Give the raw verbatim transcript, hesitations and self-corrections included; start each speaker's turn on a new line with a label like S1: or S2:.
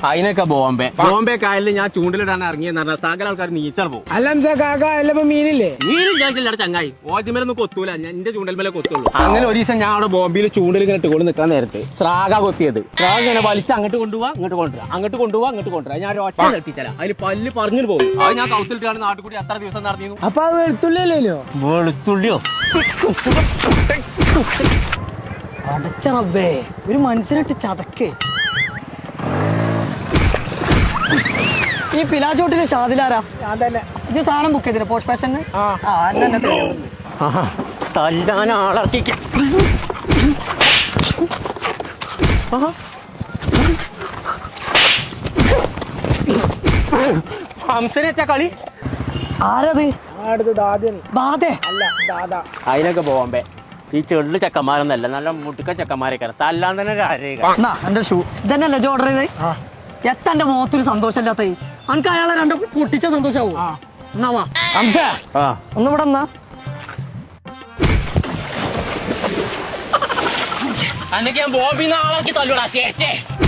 S1: അതിനൊക്കെ ബോംബെ ബോംബെ കായലിൽ ഞാൻ ചൂണ്ടിലിടാൻ ഇറങ്ങിയെന്ന് പറഞ്ഞാൽ സകല ആൾക്കാർ നീച്ചാൽ പോകും.
S2: അല്ല കാക്ക അല്ലപ്പോ മീനില്ലേ?
S1: മീനും ചോദിച്ചില്ല ചങ്ങായി, ഓജമേലൊന്നും കൊത്തൂല, ഞാൻ എന്റെ ചൂണ്ടൽ മേലെ കൊത്തുള്ളൂ. അങ്ങനെ ഒരു ദിവസം ഞാൻ അവിടെ ബോംബെയിൽ ചൂണ്ടിൽ ഇങ്ങനെ ഇട്ടുകൊണ്ട് നിൽക്കാൻ നേരത്തെ സ്രാഗ കൊത്തിയത്. സ്രാഗ ഇങ്ങനെ വലിച്ച് അങ്ങോട്ട് കൊണ്ടുപോവാ ഇങ്ങോട്ട് കൊണ്ടുവരാം, അങ്ങോട്ട് കൊണ്ടുപോവാ അങ്ങോട്ട് കൊണ്ടുവരാം. ഞാൻ ഒറ്റ നിർത്തിച്ചാല അതിൽ പല്ല് പറഞ്ഞു പോകും. അത് ഞാൻ കൗസിലിട്ടാണ് നാട്ടിൽ കൂടി അത്ര ദിവസം നടത്തിയിരുന്നു.
S2: അപ്പൊ അത് വെളുത്തുള്ളിയല്ലോ?
S1: വെളുത്തുള്ളിയോ?
S3: അടച്ച റബ്ബേ, ഒരു മനുഷ്യനിട്ട് ചതക്കേ. ഈ പിലാച്ചോട്ടിലെ ഷാദിലാരാ? ഇത് സാധനം ബുക്ക് ചെയ്തില്ല പോസ്റ്റ് ഫാഷന്?
S1: തല്ലാൻ ആളർക്കിക്ക ഹംസനെച്ച കളി
S3: ആരത്? ബാധേ?
S1: അതിനൊക്കെ ബോംബെ. ഈ ചെള്ളു ചെക്കന്മാരൊന്നല്ല, നല്ല മുട്ടുക്ക ചെക്കന്മാരൊക്കെ തല്ലാൻ തന്നെ.
S3: എന്റെ ഷൂ ഇതന്നെയല്ലേ ഓർഡർ ചെയ്തേ? എത്തന്റെ മുഖത്തൊരു സന്തോഷമില്ലാത്ത അനക്ക് അയാളെ രണ്ട് പൊട്ടിച്ച സന്തോഷാവൂ. എന്നാവാ ഒന്ന് ഇവിടെ എന്നാ
S1: അന്നൊക്കെ ഞാൻ ബോംബിന്ന് ആളാക്കി തല്ലൂടാ ചേച്ചേ.